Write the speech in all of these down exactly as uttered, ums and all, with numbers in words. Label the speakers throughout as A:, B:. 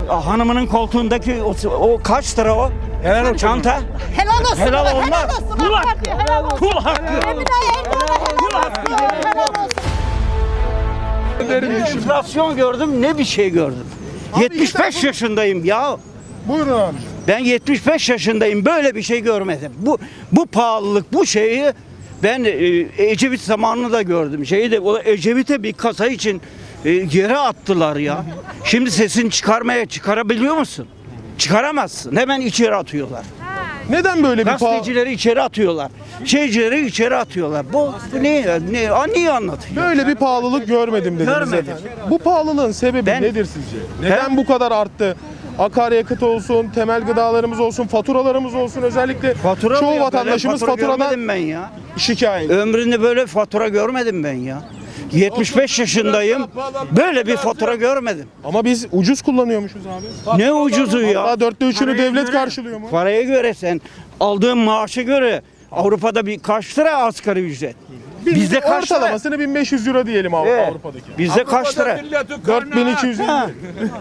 A: hanımının koltuğundaki o, o kaç lira o?
B: Helal olsun.
A: Çanta.
C: Helal olsun.
A: Helal olmaz.
C: Helal olsun.
A: Kul
C: AK
A: hakkı.
C: Parti, helal olsun.
A: Kul hakkı.
C: Emine Erdoğan'a
A: Kul
C: helal
A: hakkı.
C: olsun. Helal olsun.
A: Bir enflasyon gördüm, ne bir şey gördüm. yetmiş beş yaşındayım ya.
B: Buyurun abi.
A: Ben yetmiş beş yaşındayım. Böyle bir şey görmedim. Bu bu pahalılık, bu şeyi ben e, Ecevit zamanını da gördüm. Şeyi de o Ecevit'e bir kasa için e, yere attılar ya. Şimdi sesini çıkarmaya çıkarabiliyor musun? Çıkaramazsın. Hemen içeri atıyorlar.
B: Neden böyle bir pahalı?
A: Gazetecileri içeri atıyorlar. Şeycileri içeri atıyorlar. Bu, bu ne, ne, a, niye anlatıyor?
B: Böyle bir pahalılık görmedim dediniz
A: Görmedim.
B: efendim. Bu pahalılığın sebebi
A: Ben-
B: nedir sizce? Neden bu kadar arttı? Akaryakıt olsun, temel gıdalarımız olsun, faturalarımız olsun, özellikle
A: Fatura mı
B: çoğu
A: ya?
B: vatandaşımız
A: Böyle fatura
B: faturadan
A: görmedim ben ya.
B: şikayet.
A: Ömründe böyle fatura görmedim ben ya. yetmiş beş yaşındayım. Böyle bir fatura görmedim.
B: Ama biz ucuz kullanıyormuşuz abi.
A: Ne ucuzu ya.
B: Hatta dörtte üçünü
A: Paraya
B: devlet
A: göre-
B: karşılıyor mu?
A: Paraya göre sen aldığın maaşa göre Avrupa'da bir kaç lira asgari ücret? Bizde kaç lira?
B: Ortalamasını bin beş yüz euro diyelim Avrupa,
A: Evet.
B: Avrupa'daki.
A: Bizde kaç lira?
B: dört bin iki yüz elli.
A: Ha.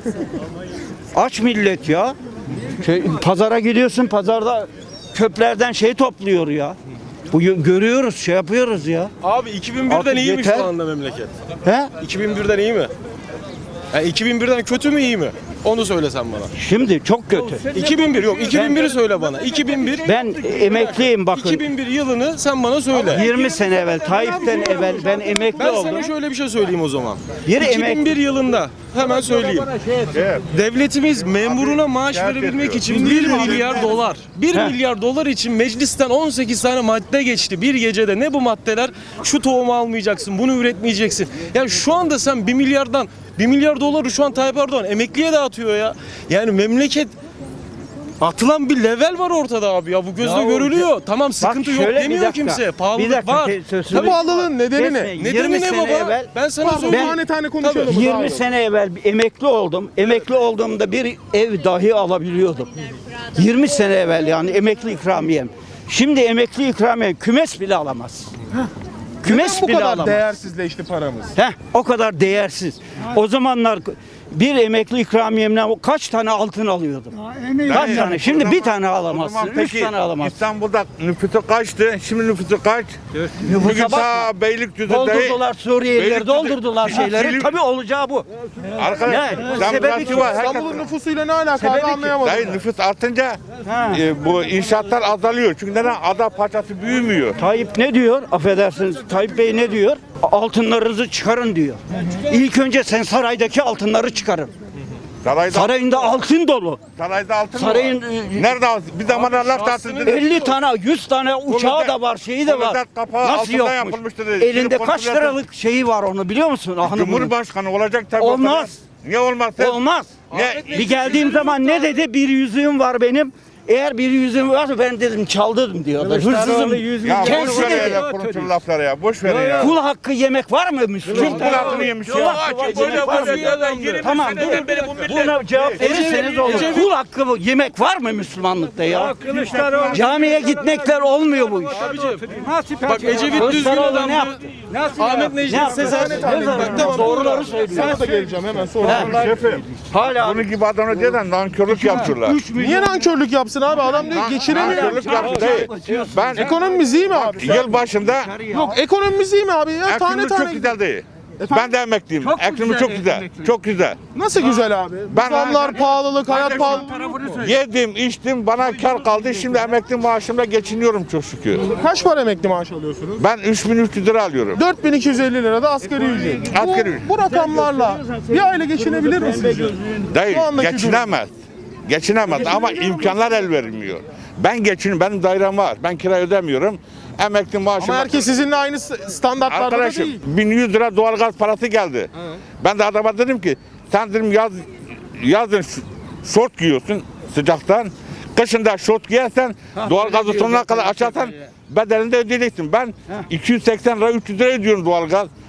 A: Aç millet ya. Şey, pazara gidiyorsun, pazarda köplerden şey topluyor ya. Bu görüyoruz, şey yapıyoruz ya.
D: Abi iki bin birden
A: Artık
D: iyi mi
A: yeter.
D: şu anda memleket?
A: He?
D: iki bin birden iyi mi? Yani iki bin birden kötü mü iyi mi? Onu söylesen bana.
A: Şimdi çok kötü.
D: iki bin bir yok. iki bin biri söyle bana. iki bin bir.
A: Ben emekliyim bakın.
D: iki bin bir yılını sen bana söyle.
A: yirmi sene evvel, Tayyip'ten evvel ben emekli
D: Ben
A: oldum.
D: sana şöyle bir şey söyleyeyim o zaman.
A: Yeri
D: iki bin bir
A: emek-
D: yılında hemen söyleyeyim. Devletimiz memuruna maaş verebilmek için bir milyar dolar. bir
A: Heh.
D: milyar dolar için meclisten on sekiz tane madde geçti bir gecede. Ne bu maddeler? Şu tohumu almayacaksın, bunu üretmeyeceksin. Yani şu anda sen bir milyardan bir milyar doları şu an Tayyip Erdoğan emekliye dağıtıyor ya. Yani memleket atılan bir level var ortada abi ya, bu gözle
A: Ya o-
D: görülüyor. Tamam, sıkıntı yok
A: şöyle bir
D: demiyor
A: dakika,
D: kimse.
A: bir
D: Pahalılık
A: dakika,
D: var.
A: te- sözünü-
B: Bu pahalılığın nedeni ne?
A: Kesmeyin.
D: Nedeni
A: yirmi
D: ne
A: sene
D: baba?
A: evvel-
D: ben sana
B: Pardon,
D: söyleyeyim.
B: tane tane konuşalım.
D: Tabii.
A: yirmi sene evvel bir emekli oldum. Emekli olduğumda bir ev dahi alabiliyordum. yirmi sene evvel yani emekli ikramiyem. Şimdi emekli ikramiyem kümes bile alamaz. Kümes
B: Neden bu
A: bile
B: kadar
A: alamaz.
B: değersizleşti paramız?
A: Heh, o kadar değersiz. O zamanlar bir emekli ikramiyemle o kaç tane altın alıyordum? Kaç tane? Şimdi bir tane alamazsın, üç tane alamazsın.
E: İstanbul'da nüfusu kaçtı? Şimdi nüfusu kaç?
A: Nüfusa
E: Bugün
A: bakma.
E: ta Beylikdüzü'de
A: Doldurdular Suriyelileri,
E: Beylikdüzü-
A: doldurdular şeyleri.
E: Silivri-
A: Tabii olacağı bu.
E: Arkadaş,
A: Ne?
E: demokrasi
A: Sebebi
E: var. Herkes-
B: İstanbul'un nüfusuyla ne alakalı
A: Sebebi
B: abi
A: ki-
B: anlayamadım.
E: Dayı nüfus artınca
A: Ha.
E: e, bu inşaatlar azalıyor. Çünkü neden? Ada parçası büyümüyor.
A: Tayyip ne diyor? Affedersiniz. Tayyip Bey ne diyor? Altınlarınızı çıkarın diyor. İlk önce sen saraydaki altınları çıkarın.
E: Sarayda,
A: Sarayında altın dolu.
E: sarayda altın
A: Sarayın,
E: mı var?
A: e,
E: Nerede altın? Bir zamanlar laf tahtı dedi.
A: elli tane, yüz tane uçağı da var, şeyi de var.
E: Kuludet kapağı
A: Nasıl
E: altından
A: yokmuş?
E: yapılmıştır dedi.
A: Elinde
E: Şimdi
A: kaç
E: kontrol
A: liralık şeyi var onu biliyor musun? Hanımın.
E: Cumhurbaşkanı olacak tabii.
A: Olmaz.
E: o kadar. Niye olmaz? Sen-
A: Olmaz.
E: Ne?
A: Bir geldiğim zaman ne dedi? Bir yüzüğüm var benim. Eğer bir yüzüğüm varsa ben dedim çaldırdım diyorlar. Hırsızım.
E: Ya boş
A: Kendisi
E: ver
A: dedi.
E: ya konuşur lafları ya. Boş ver ya.
A: Kul hakkı yemek var mı Müslüman?
E: Kim kul hakkını yemiş ya?
A: Kul hakkı var, yemek var mı? Tamam dur. Buna cevap verirseniz olur. Kul hakkı bu, yemek var mı Müslümanlıkta ya? Camiye gitmekler olmuyor bu iş.
D: Bak Ecevit düzgün
A: Kılıçdaroğlu ne
D: adamdı.
A: yaptı?
D: Ahmet
A: Ne
D: Necdet
A: yaptı?
D: Sezer.
A: Bak,
D: Tamam,
A: doğruları söylüyor.
B: Sana da geleceğim hemen sonra.
E: Şefim.
A: Hala
E: Bunun gibi adamı diye de nankörlük yapıyorlar.
B: Niye nankörlük yapsın abi? Adam diyor geçiremiyor.
E: Nankörlük yapıyor değil. Ben
B: Ekonomimiz iyi mi abi?
E: yıl başında
B: Yok ekonomimiz iyi mi abi ya? Tane
E: ekonomi çok
B: tane.
E: güzel değil. Ben de emekliyim. Ekonomi çok güzel. Çok güzel.
B: Nasıl güzel abi?
E: Ben-
B: Zamlar, pahalılık, hayat
E: Kardeşim,
B: pahalılığı.
E: Yedim, içtim, bana kar kaldı. Şimdi emekli maaşımla geçiniyorum çok şükür.
B: Kaç para emekli maaş alıyorsunuz?
E: Ben üç bin üç yüz lira alıyorum.
B: dört bin iki yüz elli lira da asgari ücret.
E: Asgari
B: Bu,
E: ücret.
B: bu rakamlarla bir aile geçinebilir mi sizce?
E: Dayı
B: Şu andaki
E: geçinemez. Geçinemez ama imkanlar el vermiyor. Ben geçin, benim dairem var. Ben kira ödemiyorum. Emekli maaşım.
B: Ama herkes sizinle aynı s- standartlarda da
E: Arkadaşım
B: değil.
E: bin yüz lira doğalgaz parası geldi. Ben de adama dedim ki sen dedim yaz yazın ş- şort giyiyorsun sıcaktan. Kışında şort giyersen doğalgazı sonuna kadar açarsan bedelini de ödeyeceksin. Ben iki yüz seksen lira üç yüz lira ödüyorum doğalgaz.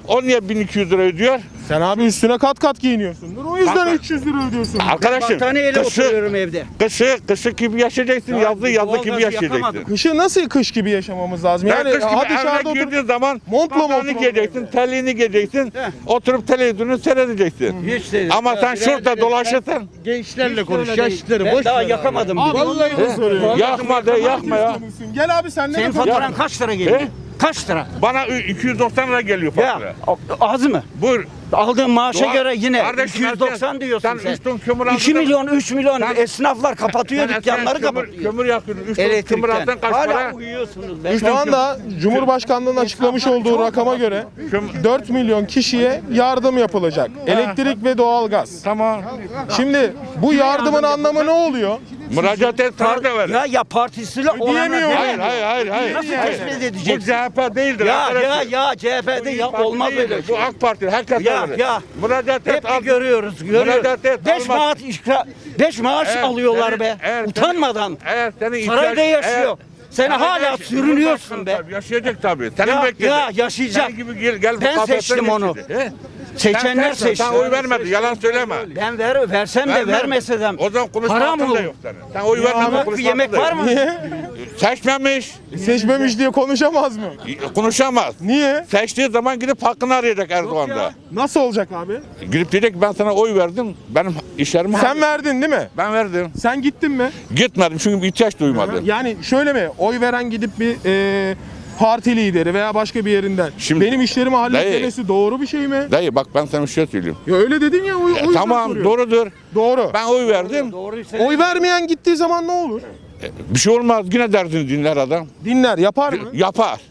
E: o niye bin iki yüz lira ödüyor?
B: Sen abi üstüne kat kat giyiniyorsundur. O yüzden
E: Kanka.
B: üç yüz lira ödüyorsun.
E: Arkadaşım
A: Battaniyeyle
E: kışı,
A: oturuyorum evde.
E: kışı, kışı gibi yaşayacaksın, yazı yazı gibi
A: doğalgazı
E: yaşayacaksın.
A: yakamadım.
B: Kışı nasıl kış gibi yaşamamız lazım?
E: Yani
B: Yani
E: kış gibi
B: ha
E: evine
B: dışarıda otur.
E: girdiğin zaman
B: Montla mı
E: montunu
B: oturalım?
E: giyeceksin, terliğini giyeceksin, oturup televizyonu seyredeceksin.
A: Hiç değil.
E: Ama sen şurada dolaşırsan
F: Gençlerle konuş,
A: Öyle değil.
F: yaşlıları
A: Ben
F: boş
A: daha
F: ver.
A: yakamadım.
B: Abi
A: bile.
B: vallahi bunu soruyorum.
E: yakma de yakma ya.
B: Gel abi sen ne
A: Senin
B: yapıyorsun?
A: faturan kaç lira geliyor?
E: He?
A: Kaç lira?
E: Bana iki yüz doksan lira geliyor fatura.
A: Ya az mı?
E: Buyur.
A: Aldığın maaşa
E: Doğa-
A: göre yine
E: Kardeşim,
A: iki yüz doksan
E: sen-
A: diyorsun
E: sen
A: sen.
E: üç ton kömür aldın
A: iki
E: da-
A: milyon, üç milyon
E: Sen-
A: esnaflar kapatıyor
E: Sen
A: dükkanları
E: eskiden kömür,
A: kapatıyor.
E: kömür yakıyordun. üç ton kömür
A: Elektrikten.
E: aldın kaç
A: Hala
E: para?
A: uyuyorsunuz. be.
B: Şu anda Cumhurbaşkanlığı'nın açıklamış olduğu rakama göre dört milyon kişiye yardım yapılacak. Elektrik ve doğalgaz.
E: Tamam.
B: Şimdi bu yardımın anlamı ne oluyor?
E: Müracaat et sana da ver.
A: Ya ya partisiyle olana
B: Ödeyemiyor.
A: değil.
E: Hayır hayır hayır hayır.
A: Nasıl
E: Hayır.
A: tespit
E: Bu
A: edeceksin?
E: C H P değildir
A: Ya ya
E: arkadaşım.
A: ya C H P'de
E: Bu İYİ
A: ya
E: Parti
A: olmaz
E: değildir.
A: öyle şey.
E: Bu AK Parti herkes
A: Ya,
E: verir.
A: ya.
E: Müracaat et.
A: Hep
E: al.
A: bir görüyoruz, görüyoruz.
E: Müracaat et,
A: Beş
E: almaz.
A: maaş ikra, beş maaş
E: Eğer
A: alıyorlar
E: senin-
A: be.
E: eğer senin-
A: Utanmadan.
E: Eğer senin
A: Sarayda
E: ihtiyaç-
A: yaşıyor. Sen
E: Sarayda
A: hala
E: yaşıyor.
A: sürünüyorsun be.
E: Tabii, yaşayacak tabii. Senin
A: Ya,
E: bekledin.
A: ya, yaşayacak.
E: Senin gibi gel, gel bu
A: Ben
E: kafesten
A: seçtim onu.
E: geçti. He?
A: Seçenler
E: Sen-
A: seçti.
E: Sen oy vermedin. Yalan söyleme.
A: Ben ver, versem de
E: Vermem.
A: vermese de.
E: O zaman konuşma
A: Haram
E: hakkın da
A: olur.
E: yok senin. Sen oy vermedin.
A: Ama
E: konuşma
A: bir yemek
E: hakkın da
A: var
E: yok.
A: mı?
B: Niye?
E: Seçmemiş.
B: Seçmemiş diye konuşamaz mı?
E: Konuşamaz.
B: Niye?
E: Seçtiği zaman gidip hakkını arayacak Erdoğan'da.
B: Nasıl olacak abi?
E: Gidip diyecek ki ben sana oy verdim. Benim işlerimi
B: Sen verdin değil mi?
E: Ben verdim.
B: Sen gittin mi?
E: Gitmedim çünkü ihtiyaç duymadım.
B: Yani şöyle mi? Oy veren gidip bir e, parti lideri veya başka bir yerinden
E: Şimdi-
B: benim işlerimi halletmesi doğru bir şey mi?
E: Dayı bak ben sana bir şey söyleyeyim.
B: Ya öyle dedin ya. O, o yüzden
E: Tamam
B: soruyorum.
E: doğrudur.
B: Doğru.
E: Ben oy verdim.
B: Oy vermeyen gittiği zaman ne olur?
E: Bir şey olmaz. Yine derdini dinler adam.
B: Dinler, yapar mı?
E: Yapar.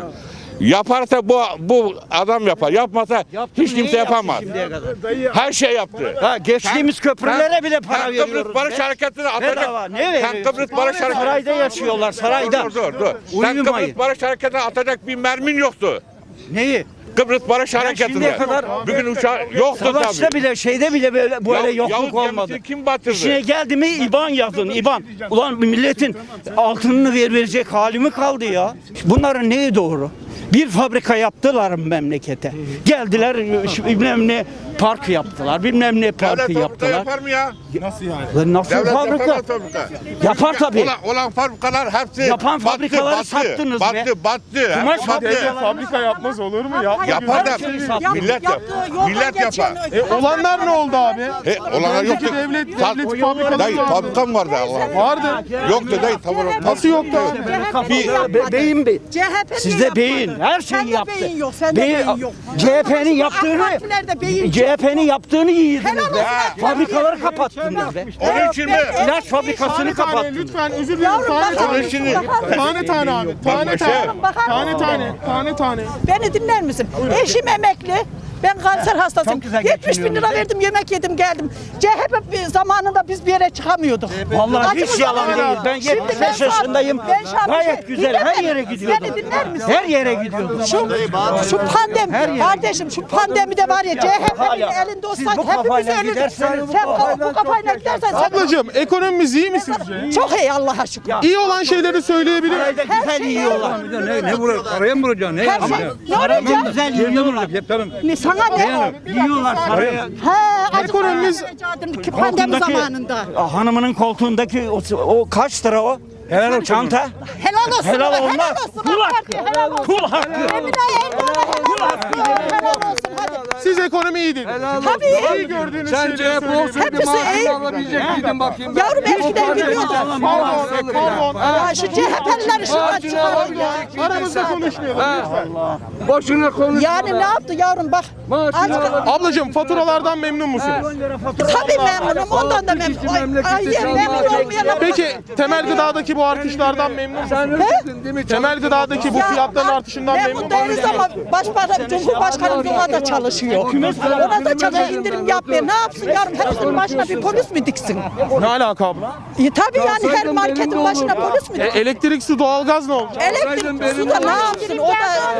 E: Yaparsa bu bu adam yapar. Yapmasa
A: Yaptı,
E: hiç
A: niye
E: kimse
A: yaptı
E: yapamaz.
A: şimdiye kadar?
E: Her şey yaptı.
A: Ha, geçtiğimiz köprülere
E: Sen-
A: bile para
E: sen
A: veriyoruz.
E: Kıbrıs Barış
A: be.
E: Hareketi'ne atacak.
A: Bedava, ne
E: Sen
A: veriyorsun?
E: Kıbrıs Barış Hareketi.
A: Sarayda yaşıyorlar, sarayda.
E: Dur dur dur. Sen
A: Uyumayın.
E: Kıbrıs Barış Hareketi'ne atacak bir mermin yoktu.
A: Neyi?
E: Kıbrıs Barış
A: şimdiye
E: Hareketi'nde.
A: kadar-
E: Bugün uçağı yoktu
A: Savaşta
E: tabii.
A: bile şeyde bile böyle, böyle
E: Ya-
A: yokluk
E: Yavuz
A: olmadı.
E: gemisini kim batırdı?
A: İşine geldi mi İban yazın İban. Ulan milletin altınını ver verecek hali mi kaldı ya? Bunların neyi doğru? Bir fabrika yaptılar memlekete. Geldiler şu bilmem ne park yaptılar. Bilmem ne parkı
E: Devlet fabrika
A: yaptılar.
E: yapar mı ya?
B: Nasıl yani?
A: Lan nasıl
E: Devlet
A: fabrika?
E: yapamaz fabrika.
A: Yapar tabii.
E: Olan, olan fabrikalar hepsi
A: Yapan
E: battı,
A: fabrikaları
E: battı,
A: sattınız
E: battı,
A: be.
E: Battı, battı.
A: Kumaş
E: hepsi battı.
A: fabrikaları-
B: Fabrika yapmaz olur mu? Yapma.
E: Yapar da
A: Her şeyi sattı.
E: millet yap. Millet yapar.
B: E, olanlar ne oldu abi?
E: E, olanlar
B: Önceki
E: yoktu.
B: devlet,
E: Sat-
B: devlet fabrikaları
E: Dayı
B: vardı.
E: fabrika mı vardı Allah?
B: Vardı.
E: Yoktu dayı tabii.
B: Nasıl yoktu abi?
A: Bir be- beyin be.
C: C H P
A: Sizde beyin, her şeyi
C: Sende
A: yaptı.
C: beyin yok, sende
A: Beyin-
C: beyin yok.
A: C H P'nin yaptığını,
C: AK Partilerde beyin
A: C H P'nin yaptığını yiydiniz
C: Helal
A: be.
C: olsun.
A: Fabrikaları kapattınız be.
E: Onun için mi?
A: İlaç fabrikasını
B: Tane tane
A: kapattınız.
B: lütfen özür dilerim.
C: Yavrum
B: Tane
C: bakar
B: tane.
C: mısın?
E: şimdi-
C: Bakar mısın?
B: Tane tane abi. Tane
E: Bak,
B: tane.
E: şey-
C: Bakar
B: Tane
C: mısın?
B: tane. Tane tane.
C: Beni dinler misin? Eşim emekli. Ben kanser hastasıyım.
A: Çok güzel
C: yetmiş bin lira verdim, yemek yedim geldim. C H P bir zamanında biz bir yere çıkamıyorduk.
A: Vallahi hiç
C: Acımız
A: yalan
C: var.
A: değil. Ben
C: Şimdi
A: yetmiş beş
C: şu an-
A: yaşındayım.
C: ben şu an bir
A: Gayet
C: şey-
A: güzel.
C: Dinle
A: Her
C: beni.
A: yere gidiyordum.
C: Beni dinler misin?
A: Her yere gidiyordum.
C: Şu, şu pandemi, kardeşim şu pandemi de var ya C H P'nin
A: hala-
C: elinde
A: siz
C: olsak
A: bu
C: hepimiz
A: kafayla
C: ölürdük.
A: giderseniz bu
C: Sen
A: kafayla
C: bu kafayla gidersen sen...
B: Ablacığım ekonomimiz iyi mi sizce?
C: Çok iyi Allah'a şükür.
B: İyi olan şeyleri söyleyebilir miyim?
A: Sarayda güzel
C: şey
A: yiyorlar.
F: Ne, ne vurur? Paraya mı vuracaksın? Ne
C: Her şey, ne olacak?
A: Güzel yiyorlar.
F: Tamam.
C: Ne, sana ne o?
A: Yiyorlar saraya.
C: He, acık
B: Ekonomimiz-
C: ki pandemi
A: Koltuğundaki-
C: zamanında.
A: Hanımının koltuğundaki o, o kaç lira o? Helal o çanta.
C: Helal olsun.
A: Helal
C: helal
A: olmaz.
C: olsun.
A: Kul
C: AK
A: hakkı.
C: Parti'ye helal olsun.
A: Kul hakkı.
C: Emine Erdoğan'a helal olsun. Helal olsun hadi.
B: Siz ekonomi iyi dediniz.
C: Tabii.
B: İyi gördüğünüz
F: Sen
B: şeyleri
F: C H P
B: söyleyebilir
F: olsaydı
C: Hepsi iyi.
F: maaşını alabilecek miydin bakayım?
C: Yavrum eskiden biliyordum.
B: Pardon, pardon.
C: Ya şu C H P'lileri şuradan
F: Maaşını
C: çıkarın ya.
F: alabilecek miydin
B: Aramızda
F: sen?
B: konuşmayalım lütfen.
F: Boşuna konuş.
C: Yani ne yaptı yavrum bak.
F: Maaşını
C: Azıcık-
F: alabilecek.
B: Ablacığım faturalardan memnun musunuz?
C: Tabii memnunum ondan da memnunum. Ay, ay,
F: Memleketi
C: memnun
F: çalmaya
C: olmayanlar.
B: Peki temel gıdadaki bu artışlardan memnun musunuz?
F: Sen öylesin değil mi?
B: Temel gıdadaki bu
C: Ya,
B: fiyatların artışından memnun
C: memnun değiliz
B: musunuz?
C: ama Başbakan, Cumhurbaşkanımız ona da çalışıyor. Ona da çalışıyor, indirim yapmıyor. Ne yapsın yavrum? Hepsinin başına bir polis mi diksin?
B: Ne alaka abla?
C: E, tabii yani her marketin başına polis mi
B: E,
C: diksin?
B: elektrik, su, doğalgaz ne olacak?
C: Elektrik, su da ne yapsın? O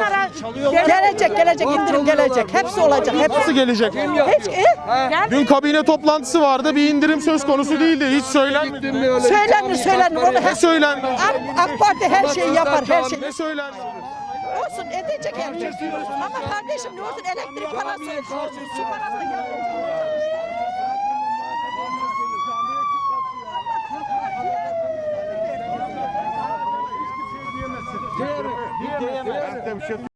C: da gelecek, gelecek, indirim gelecek. Hepsi olacak.
B: Nasıl
C: Hepsi.
B: gelecek?
C: Hiç, e,
B: Dün kabine toplantısı vardı. Bir indirim söz konusu değildi. Hiç söylenmedi.
C: söylenir, söylenir. Onu
B: Ne
C: her,
B: söylendi?
C: AK, AK Parti her şeyi yapar, her şeyi.
B: Ne söylendi?
C: olsun edecek elbet. Ama kardeşim ne olsun elektrik parası, su parası ya.
E: Ben de bir şey